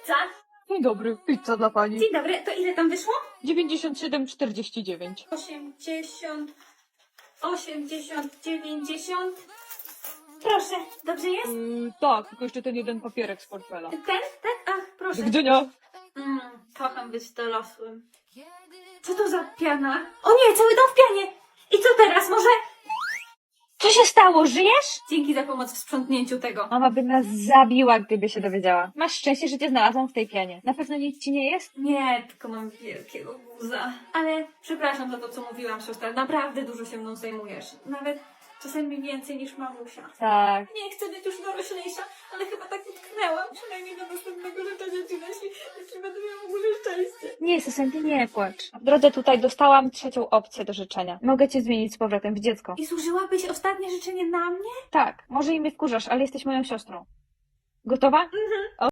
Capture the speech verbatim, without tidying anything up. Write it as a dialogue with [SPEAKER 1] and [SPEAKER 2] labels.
[SPEAKER 1] pizza.
[SPEAKER 2] Dzień dobry, pizza dla pani.
[SPEAKER 1] Dzień dobry, to ile tam wyszło?
[SPEAKER 2] dziewięćdziesiąt siedem czterdzieści dziewięć.
[SPEAKER 1] osiemdziesiąt, osiemdziesiąt, dziewięćdziesiąt. Proszę, dobrze jest?
[SPEAKER 2] Yy, tak, tylko jeszcze ten jeden papierek z portfela.
[SPEAKER 1] Ten? Tak? Ach, proszę.
[SPEAKER 2] Do widzenia.
[SPEAKER 1] Mm, kocham być dorosłym. Co to za piana? O nie, cały dom w pianie! I co teraz, może...
[SPEAKER 2] Co się stało, żyjesz?
[SPEAKER 1] Dzięki za pomoc w sprzątnięciu tego.
[SPEAKER 2] Mama by nas zabiła, gdyby się dowiedziała. Masz szczęście, że cię znalazłam w tej pianie. Na pewno nic ci nie jest?
[SPEAKER 1] Nie, tylko mam wielkiego guza. Ale przepraszam za to, co mówiłam, siostra. Naprawdę dużo się mną zajmujesz. Nawet czasami więcej niż mamusia.
[SPEAKER 2] Tak.
[SPEAKER 1] Nie chcę być już doroślejsza, ale chyba tak utknęłam. Przynajmniej do następnego życzenia ci, jeśli, jeśli będę miała w ogóle szczęście.
[SPEAKER 2] Nie, Susanty, nie płacz. W drodze tutaj dostałam trzecią opcję do życzenia. Mogę cię zmienić z powrotem w dziecko.
[SPEAKER 1] I zużyłabyś ostatnie życzenie na mnie?
[SPEAKER 2] Tak, może i mnie wkurzasz, ale jesteś moją siostrą. Gotowa?
[SPEAKER 1] Mhm.